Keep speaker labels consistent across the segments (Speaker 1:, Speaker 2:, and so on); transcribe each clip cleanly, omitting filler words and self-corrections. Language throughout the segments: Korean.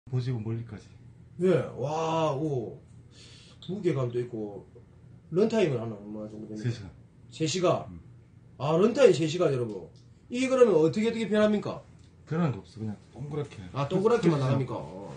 Speaker 1: 보시고 멀리까지.
Speaker 2: 예, 와, 오. 무게감도 있고, 런타임은 하나 얼마 정도 됩니까?
Speaker 1: 3시간.
Speaker 2: 3시간? 아, 런타임 3시간, 여러분. 이게 그러면 어떻게 변합니까?
Speaker 1: 변하는 거 없어. 그냥 동그랗게.
Speaker 2: 아, 동그랗게만 나갑니까?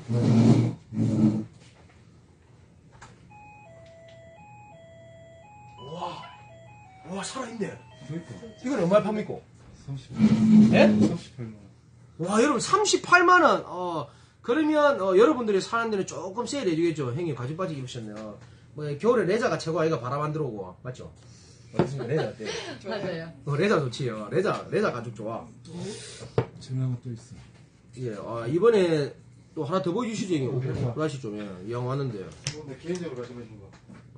Speaker 2: 와, 살아있네.
Speaker 1: 그러니까.
Speaker 2: 이건 얼마에 팝니까?
Speaker 1: 38만
Speaker 2: 예?
Speaker 1: 38만
Speaker 2: 와, 여러분, 38만원. 그러면, 여러분들이 사는 데는 조금 세일 해주겠죠. 형님, 가죽 바지 입으셨네요. 뭐, 겨울에 레자가 최고 아이가 바람 안 들어오고. 맞죠? 맞습니까? 레자 어때?
Speaker 3: 맞아요.
Speaker 2: 레자 좋지요. 레자 가죽 좋아.
Speaker 1: 증명은 또 있어.
Speaker 2: 예, 이번에 또 하나 더 보여주시죠, 형님.
Speaker 1: 그럴까?
Speaker 2: 브라시 좀, 예. 이왕 왔는데.
Speaker 1: 내 개인적으로 가지고 있는 거.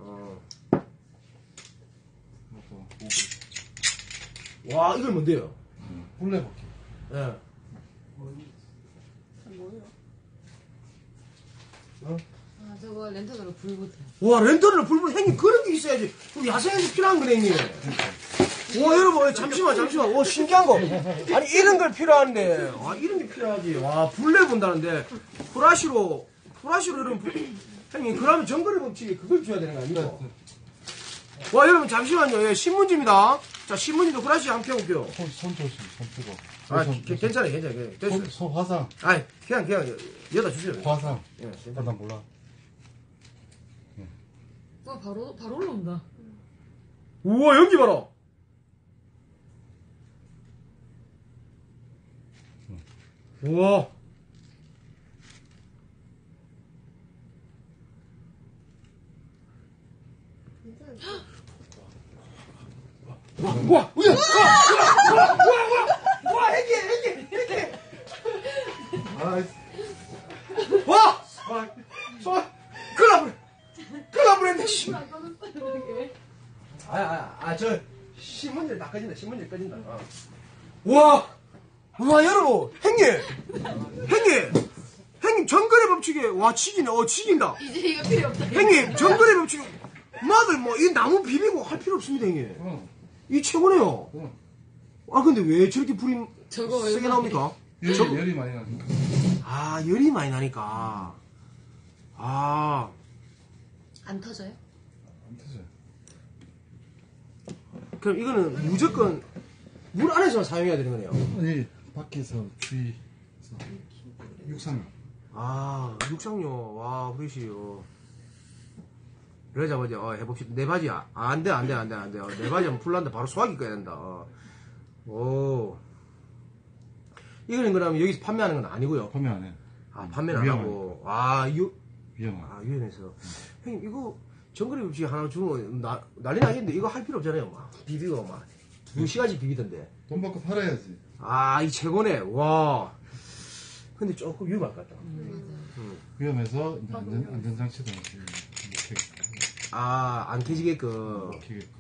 Speaker 1: 이것도
Speaker 2: 와, 이걸 뭔데요?
Speaker 1: 뿔레버키.
Speaker 2: 예.
Speaker 3: 뭐예요? 아, 저거 랜턴으로 불 붙어요.
Speaker 2: 와, 렌터를 불불 형님 그런 게 있어야지. 그럼 야생에서 필요한 거네, 형님. 와, 여러분, 잠시만. 와, 신기한 거. 아니, 이런 걸 필요한데. 와, 이런 게 필요하지. 와, 불내 본다는데. 프라시로 이런 형님, 그러면 정거리 법칙에 그걸 줘야 되는 거 아닙니까? 와, 여러분, 잠시만요. 예, 신문지입니다. 자, 신문지도 프라시 한번 펴볼게요.
Speaker 1: 손 조심, 손 뜨거.
Speaker 2: 아, 괜찮아요. 됐어요.
Speaker 1: 손 화상.
Speaker 2: 아, 그냥, 여다 주세요.
Speaker 1: 화상.
Speaker 2: 예,
Speaker 1: 아, 난 몰라.
Speaker 3: 와, 바로 올라온다.
Speaker 2: 우와, 연기 봐라. 우와. 와, 행기.
Speaker 1: 아,
Speaker 2: 와! 큰일 날 뻔했네, 씨. 저, 신문지를 다 꺼진다, 신문지를 꺼진다. 와, 여러분, 형님, 정거래 법칙에, 와, 지긴다.
Speaker 3: 이제 이거 필요 없다.
Speaker 2: 형님, 정거래 법칙에, 마들, 이 나무 비비고 할 필요 없습니다, 형님.
Speaker 1: 응.
Speaker 2: 이 최고네요.
Speaker 1: 응.
Speaker 2: 아, 근데 왜 저렇게 불이
Speaker 3: 저거 왜
Speaker 2: 세게 나옵니까?
Speaker 1: 열이 많이 나니까.
Speaker 2: 아, 열이 많이 나니까. 아,
Speaker 3: 안 터져요?
Speaker 1: 안 터져요.
Speaker 2: 그럼 이거는 무조건 물 안에서만 사용해야 되는 거네요.
Speaker 1: 아니, 밖에서 주위에서. 육상.
Speaker 2: 아, 육상요. 와, 그러시요. 레자 바지, 해봅시다. 내 바지야. 안 돼. 내 바지 하면 풀난다. 바로 소화기 꺼야 된다. 오. 이거는 그러면 여기서 판매하는 건 아니고요.
Speaker 1: 판매 안 해.
Speaker 2: 아, 판매는 안 하고.
Speaker 1: 위험하다.
Speaker 2: 유엔에서. 형님, 이거 정거리 법칙 하나 주면 난리 나겠는데 이거 할 필요 없잖아요. 막. 비비고 막. 2시간씩 비비던데.
Speaker 1: 돈 받고 팔아야지.
Speaker 2: 아, 이 최고네. 와. 근데 조금 위험할 것 같다.
Speaker 1: 위험해서 이제 안전장치도 이렇게 못
Speaker 2: 아, 안 캐지게끔.
Speaker 1: 키겠고.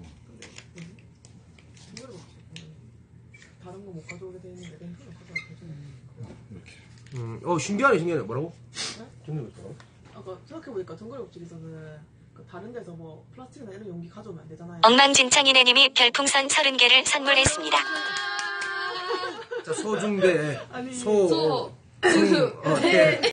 Speaker 4: 다른 거 못 가져오게 돼 있는데 렌트를 가져와도 되잖아요.
Speaker 1: 이렇게.
Speaker 2: 신기하네. 뭐라고?
Speaker 4: 네?
Speaker 2: 정거리 법칙.
Speaker 4: 아까 생각해보니까 정거리 법칙에서는 그 다른 데서 뭐 플라스틱이나 이런 용기 가져오면 안 되잖아요.
Speaker 5: 엉망진창이네님이 별풍선 30개를 선물했습니다.
Speaker 2: 자, 소중대.
Speaker 4: 아니,
Speaker 2: 소.
Speaker 3: 소.
Speaker 2: 대.